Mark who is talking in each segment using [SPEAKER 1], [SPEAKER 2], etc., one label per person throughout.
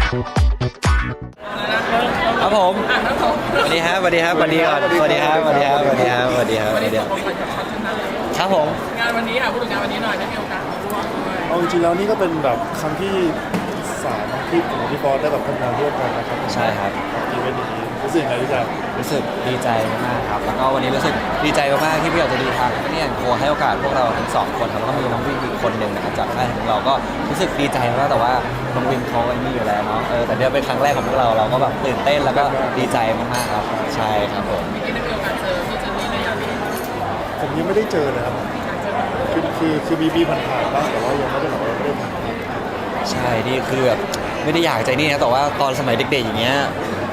[SPEAKER 1] ครับผมสวัสดีครับสวัสดีครับสวัสดีก่อนสวัสดีครับสวัสดีครับสวัสดีครับสวัสดีครับสวัสดีครับครับผม
[SPEAKER 2] งานวันนี้ค่ะพูดถึงงานวันนี้หน่อยได้มีโอกาสมาร่วมด้วย
[SPEAKER 3] เอาจริงๆแล้วนี่ก็เป็นแบบครั้งที่3ที่ผมกับพี่บอสได้แบบทำงานร่วมกันนะครับ
[SPEAKER 1] ใช่ครับ
[SPEAKER 3] อีเวนต์นี้รู้สึกยังไงพี่จ๊ะ
[SPEAKER 1] รู้สึกดีใจมากครับแล้วก็วันนี้รู้สึกดีใจมากๆที่พี่อยากจะดีทางเนี่ยโคให้โอกาสพวกเราทั้ง2คนครับแล้วก็มีน้องวินอีกคนหนึ่งนะครับจากค่ายของเราก็รู้สึกดีใจมากแต่ว่าน้องวินเขาไอ้นี่อยู่แล้วเนาะแต่เดี๋ยวเป็นครั้งแรกของพวกเราก็แบบตื่นเต้นแล้วก็ดีใจมากๆครับใช่ครับผม
[SPEAKER 2] เมื่อกี้ได้มีโอกาสเจอพี่เจนนี่ในงานนี้
[SPEAKER 3] ผมยังไม่ได้เจอเลยครับคือมีผ่านๆบ้างแต่ว่ายังไม่ได้แบบว่าไม่ได้ผ่าน
[SPEAKER 1] ใช่นี่คือแบบไม่ได้อยากใจนี่นะแต่ว่าตอนสมัยเด็กๆอย่างเงี้ย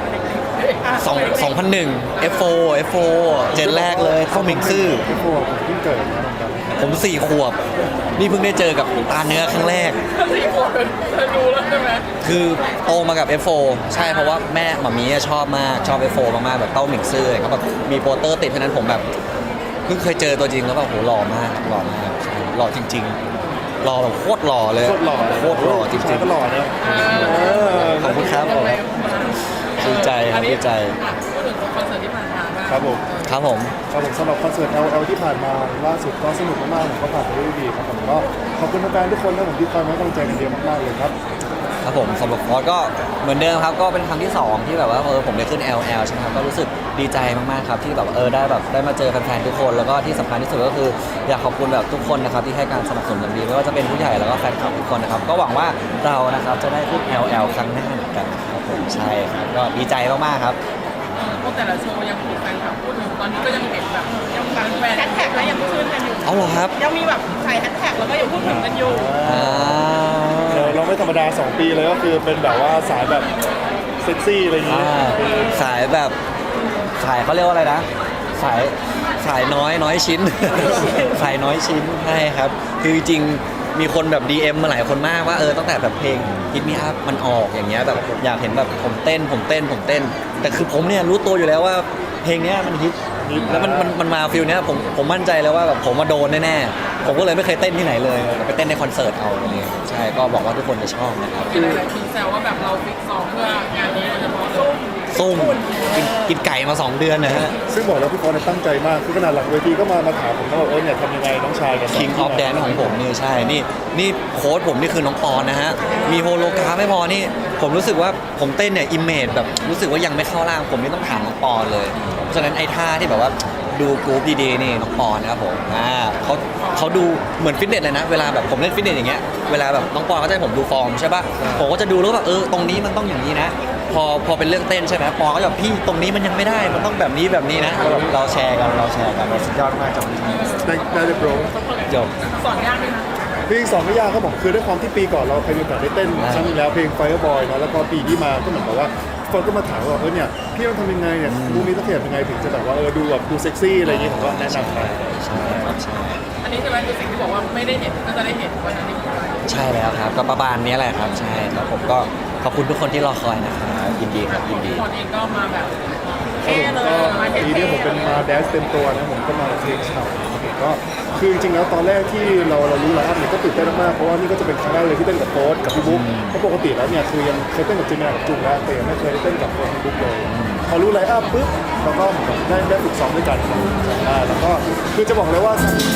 [SPEAKER 1] 2001 F4 เจนแรกเลยเข้าหมิงซื่อ
[SPEAKER 3] พี่โฟผมเพิ่งเกิดนะ
[SPEAKER 1] ผม4 ขวบนี่เพิ่งได้เจอกับตาเนื้อครั้งแรก
[SPEAKER 2] 4 ขวบเธอดูแล้วใช่ไหม
[SPEAKER 1] คือโตมากับ F4 ใช่เพราะว่าแม่หม่ามีชอบมากชอบ F4 มากๆแบบเต้าหมิงซื่อเขาแบบมีโปสเตอร์ติดเพราะนั้นผมแบบเพิ่งเคยเจอตัวจริงแล้วแบบโหหล่อมากใช่หล่อจริงๆหล่อแบบโคตรหล่อเลย
[SPEAKER 3] โคตรหล่อ
[SPEAKER 1] จริงๆ
[SPEAKER 3] ก็หล่อนะ
[SPEAKER 1] ขอบคุณครับผมดีใจครับดีใจ
[SPEAKER 2] พูดถึงคอนเสิร์ตที่ผ่านมา
[SPEAKER 3] ครับผม
[SPEAKER 1] ครับผม
[SPEAKER 3] สำหรับคอนเสิร์ต LL ที่ผ่านมาล่าสุดก็สนุกมากๆผมก็ผ่านไปได้ดีครับผมก็ขอบคุณแฟนๆทุกคนนะผมที่คอยให้กำลังใจกันเยอะมากๆเลยครับ
[SPEAKER 1] ครับผมสำหรับฟอสก็เหมือนเดิมครับก็เป็นครั้งที่2ที่แบบว่าผมได้ขึ้น LL ใช่ไหมครับก็รู้สึกดีใจมากๆครับที่แบบได้มาเจอแฟนๆทุกคนแล้วก็ที่สำคัญที่สุดก็คืออยากขอบคุณแบบทุกคนนะครับที่ให้การสนับสนุนอย่างดีไม่ว่าจะเป็นผู้ใหญ่แล้วก็แฟนคลับทุกคนนะครับก็หวังว่าเรานะครับจะได้ขึ้น LL ครั้งหน้าเหมือนกันครับผมใช่ครับก็ดีใจมากๆครับ
[SPEAKER 2] พวกแต่ละโชว์ยังมีแฟนคลับพูดถึงตอนนี้ก็ยังเห็นแบบยังแฟนแฮชแท็กแล้วยังขึ้นกันอยู่
[SPEAKER 1] เอาเหรอครับ
[SPEAKER 2] ยังมีแบบใส่แฮชแท็กแล้วก็ยังพูดถึงกันอยู่
[SPEAKER 3] เราไม่ธรรมดา2 ปีเลยก็คือเป็นแบบว่าสายแบบเซ็กซี่อะไรอย่างงี้
[SPEAKER 1] สายแบบสายเขาเรียกว่าอะไรนะสายน้อยชิ้นสายน้อยชิ้นใช่ครับคือจริงมีคนแบบ DM มาหลายคนมากว่าตั้งแต่แบบเพลง Hit Me Up มันออกอย่างเงี้ยแบบอยากเห็นแบบผมเต้นแต่คือผมเนี่ยรู้ตัวอยู่แล้วว่าเพลงเนี้ยมันฮิตแล้วมันมาฟิลเนี้ยผมมั่นใจแล้วว่าแบบผมมาโดนแน่ๆผมก็เลยไม่เคยเต้นที่ไหนเลยไปเต้นในคอนเสิร์ตเอาอะไรเงี้ยใช่ก็บอกว่าทุกคนจะชอบนะครับ
[SPEAKER 2] มีหลายๆทีแซวว่าแบบเราฟิกซ้อมเพื่องานนี้โดยเฉพาะ
[SPEAKER 1] ซุ่มกินไก่มา2 เดือนนะฮะ
[SPEAKER 3] ซึ่งบอกแล้วพี่ฟอนตั้งใจมากคือขนาดหลังเวทีก็มาถามผมว่าเนี่ยทำยังไงน้องชายกัน
[SPEAKER 1] King of Dance ของผมนี่ใช่นี่โค้ชผมนี่คือน้องปอนนะฮะมีโฮโลกราฟไม่พอนี่ผมรู้สึกว่าผมเต้นเนี่ยอิมเมจแบบรู้สึกว่ายังไม่เข้าร่างผมนี่ต้องถามน้องปอนเลยเพราะฉะนั้นไอ้ท่าที่แบบว่าดูกรุ๊ปดีๆนี่น้องปอนนะครับผมเขาดูเหมือนฟิตเนสเลยนะเวลาแบบผมเล่นฟิตเนสอย่างเงี้ยเวลาแบบน้องปอนเขาจะให้ผมดูฟอร์มใช่ป่ะผมก็จะดูแล้วแบบตรงนี้มันต้องอย่างนี้นะพอเป็นเรื่องเต้นใช่ไหมปอก็แบบพี่ตรงนี้มันยังไม่ได้มันต้องแบบนี้นะเราแชร์กัน
[SPEAKER 3] สุดยอดมากจังได้เลยโปร
[SPEAKER 1] จบ
[SPEAKER 2] สอนยากไหมคะ
[SPEAKER 3] เพลง2ไม่ยากครับผมคือด้วยความที่ปีก่อนเราเคยมีโอกาสได้เต้นครั้งนึงแล้วเพลง Fireboy เนาะแล้วก็ปีที่มาก็เหมือนกับว่าฟอนก็มาถามว่าเนี่ยพี่ต้องทำยังไงเนี่ยมูนี้ต้องเขียนยังไงถึงจะแบบว่าดูเซ็กซี่อะไรอย่างงี้ผมก็แนะนำไป
[SPEAKER 1] ใช่
[SPEAKER 2] อันนี้ใช่ไหมคือสิ่งที่บอกว่าไม่ได้เห็นก็จะได้เห็นวันนั้นนี่
[SPEAKER 1] ใช่แล้วครับก็ประมาณนี้แหละครับใช่ครับผมก็ขอบคุณทุกคนที่รอคอยนะครับยินดีครับยินดี
[SPEAKER 2] ตอนเองก็มาแบบ
[SPEAKER 3] ปีนี้ผมเป็นมาแดนซ์เต็มตัวนะผมก็มาเพลงฉ่ำก็คือจริงๆแล้วตอนแรกที่เรารู้ไลฟ์อัพเนี่ยก็ตื่นเต้นมากเพราะว่านี่ก็จะเป็นครั้งแรกเลยที่เต้นกับโค้ชกับพี่บุ๊กเพราะปกติแล้วเนี่ยคือยังเคยเต้นกับจิมมี่กับจุงแล้วแต่ยังไม่เคยได้เต้นกับโค้ชพี่บุ๊กเลยพอรู้ไลฟ์อัพปุ๊บเราก็ได้ฝึกซ้อมด้วยกันแล้วก็คือจะบอกเลยว่า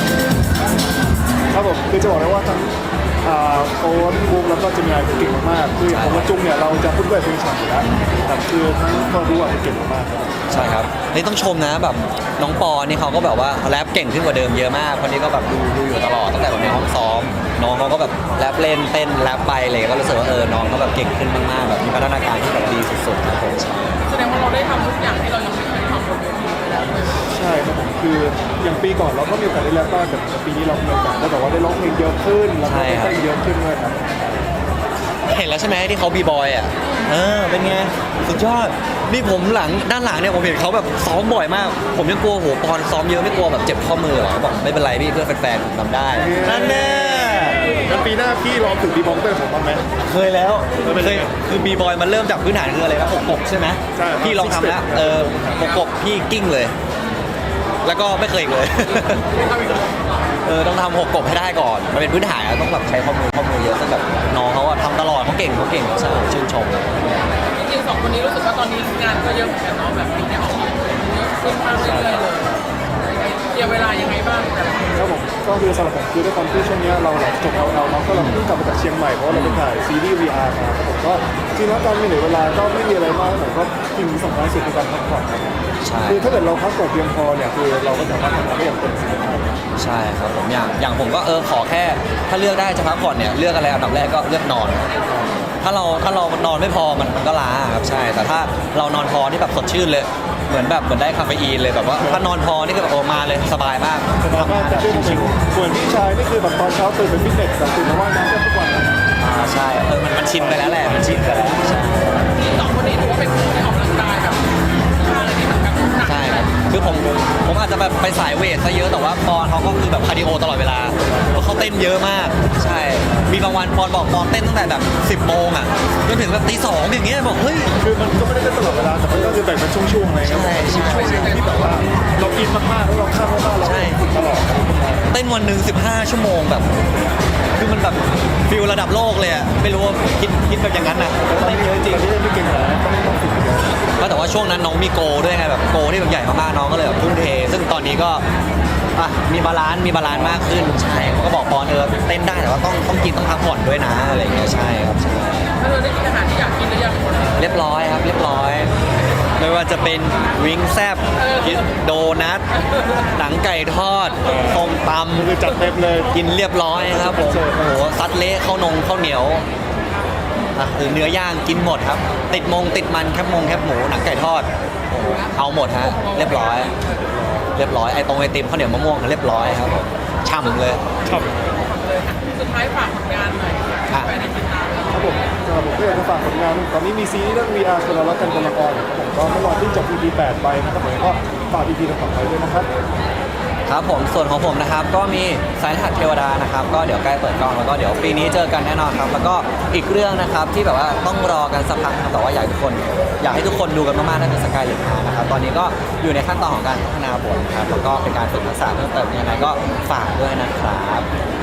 [SPEAKER 3] ครับผมคือจะบอกเลยว่าทั้งโค้ชบุ๊กแล้วก็จิมมี่เก่งมากๆคืออย่างผมกับจุงเนี่ยเราจะพูดด้วยเพลงฉ่ำอยู่แล้วแต่คือทั้งคนรู้เก่งมาก
[SPEAKER 1] ใช่ครับนี่ต้องชมนะแบบน้องปอนี่เขาก็แบบว่าแรปเก่งขึ้นกว่าเดิมเยอะมากคนนี้ก็แบบดูอยู่ตลอดตั้งแต่ในห้องซ้อมน้องเขาก็แบบแรปเล่นเต้นแรปไปเลยก็รู้สึกว่าน้องเขาแบบเก่งขึ้นมากๆแบบมีพัฒนาการที่แบบดีสุดๆครับผม
[SPEAKER 2] แสดงว่าเราได้ทำทุกอย่างที่เรายังไม่เคยทำบนเวทีไปแล้ว
[SPEAKER 3] ใช่ครับผมคืออย่างปีก่อนเราก็มีโอกาสได้แรปบ้างแต่ปีนี้เรามีโอกาสได้แบบว่าได้ร้องเพลงเยอะขึ้นแล้วก็ได้เต้นเยอะขึ้นด้วยครับ
[SPEAKER 1] เห็นแล้วใช่ไหมที่เขาบีบอยอ่ะเป็นไงสุดยอดนี่ผมด้านหลังเนี่ยผมเห็นเขาแบบซ้อมบ่อยมากผมยังกลัวโหปอนซ้อมเยอะไม่กลัวแบบเจ็บข้อมือหรอบอกไม่เป็นไรพี่เพื่อแฟนๆผมทำได้นั่นแน่
[SPEAKER 3] แล้วปีหน้าพี่ลองฝึกบีบอยเต้นผมบ้างไหม
[SPEAKER 1] เคยแล้วคือบีบอยมันเริ่มจากพื้นฐานคืออะไรนะปกใช่ไหมพี่ลองทำแล้วปกพี่กิ้งเลยแล้วก็ไม่เคยอีกเลยต้องทำหกกบให้ได้ก่อน มันเป็นพื้นฐานอะต้องแบบใช้ข้อมูลเยอะซึ่งแบบน้องเขาอะทำตลอดเขาเก่งใช่ชื่นชม
[SPEAKER 2] จริงๆสองคนนี้รู้สึกว่าตอนนี้งานก็เยอะเหมือนกันเนาะแบบมีได้ออกมาเยอะขึ้นมากเรื่อยๆเลยเคลียร์เวลายังไงบ้างแต่ละคน
[SPEAKER 3] ครับผมก็คือสำหรับผมคือด้วยความที่ช่วงนี้เราหลังจบ LL เนาะก็เราเพิ่งกลับมาจากเชียงใหม่เพราะว่าเราไปถ่ายซีรีส์ VR มาครับผมก็จริงแล้วการมีเหลือเวลาก็ไม่มีอะไรมากแต่ก็สิ่งที่สำคัญที่สุดคือการพักผ่อนครับ
[SPEAKER 1] ใช่
[SPEAKER 3] คือถ้าเกิดเราพักผ่อนเพียงพอเนี่ยคือเราก็สามารถทำงานได้อย่างเต็มศักยภาพ
[SPEAKER 1] ใช่ครับผมอย่างผมก็ขอแค่ถ้าเลือกได้จะพักผ่อนเนี่ยเลือกอะไรอันดับแรกก็เลือกนอน ถ้าเรานอนไม่พอมันก็ล้าครับใช่แต่ถ้าเรานอนพอที่แบบสดชื่นเลยเหมือนได้คาเฟอีนเลยแบบว่าถ้านอนพอนี่ก็แบบมาเลยสบายมาก
[SPEAKER 3] สบายมากจะได้ชิวๆส่วนพี่ชายนี่คือแบบตอนเช้าตื่นไปฟิตเนสแต่ตื่นมาว่ายน้ำกันทุกวันนะ
[SPEAKER 1] ใช่มันชินไปแล้วแหละมันชินไปแล้วใช่
[SPEAKER 2] สองคนนี้ถือว่าเป็นคู่ที่ออกกำลังกายแบบท่าอะไรที่แบบหนัก
[SPEAKER 1] ใช่ครับคือผมอาจจะแบบไปสายเวทซะเยอะแต่ว่าปอนเขาก็คือแบบคาร์ดิโอตลอดเวลาแล้วเขาเต้นเยอะมากใช่มีบางวันปอนบอกปอนเต้นตั้งแต่แบบ10 โมงอ่ะจนถึงแบบตี 2อย่างเงี้ยบอกเฮ้ย
[SPEAKER 3] คือมันก็ไม่ได้เต้นตลอดเวลาแต่มันก็คือแบ่งเป็นช่วงๆอะไรเงี้ย
[SPEAKER 1] ใช่
[SPEAKER 3] ช่วงหนึ่งที่แบบว่าเราอินมากๆแล้วเราข้ามมากๆเราฝึกตลอด
[SPEAKER 1] เต้นวันหนึ่ง15 ชั่วโมงแบบคือมันแบบฟิลระดับโลกเลยอะไม่รู้ว่าคิดแบบอย่างนั้นนะเต้นเยอะจริง
[SPEAKER 3] แต่ที่ไม่เก่งหรอกต้องฝึกเยอะ
[SPEAKER 1] ก็แต่ว่าช่วงนั้นน้องมีโกด้วยไงแบบโกที่แบบใหญ่มากๆน้องก็เลยแบบทุ่มเท ซึ่งตอนนี้ก็มีบาลานซ์มากขึ้นใช่เขาก็บอกปอนเต้นได้แต่ว่าต้องกินต้องพักผ่อนด้วยนะอะไรอย่างเงี้ยใช่ครับใช่
[SPEAKER 2] ถ้าเธอได้กินอาหารที่อยากกินหรือยัง
[SPEAKER 1] เรียบร้อยครับเรียบร้อย ไม่ว่าจะเป็นวิงแซบโดนัทหนังไก่ทอดต้มต
[SPEAKER 3] คือจัดเต็มเลย
[SPEAKER 1] ำกินเรียบร้อยครับผมโอ้โหซัดเละข้าวเหนียวหรือเนื้อย่างกินหมดครับ ติดมันแคบหมูหนังไก่ทอดโอ้โหเอาหมดฮะเรียบร้อยไอติมข้าวเหนียวมะม่วงเรียบร้อยครับผมช่ำเลย
[SPEAKER 3] ชอบ
[SPEAKER 2] เลยค่ะสุดท้ายฝากผลงานหน่อยค่ะไปในติดตาม
[SPEAKER 3] ครับผมสำหรับผมก็อยากจะฝากผลงานตอนนี้มีซีรีส์เรื่อง VR คนเรารักกันคนละครครับผมก็เมื่อวานเพิ่งจบ EP 8 ไปนะครับผมก็ฝาก EP ต่อๆไปด้วยนะครับ
[SPEAKER 1] ครับผมส่วนของผมนะครับก็มีสายรหัสเทวดานะครับก็เดี๋ยวใกล้เปิดกล้องแล้วก็เดี๋ยวปีนี้เจอกันแน่นอนครับแล้วก็อีกเรื่องนะครับที่แบบว่าต้องรอกันสักพักนะครับแต่ว่าอยากให้ทุกคนดูกันมากๆนั่นคือสกายเลนฮานะครับตอนนี้ก็อยู่ในขั้นตอนของการพัฒนาบทนะครับแล้วก็เป็นการฝึกทักษะเพิ่มเติมยังไงก็ฝากด้วยนะครับ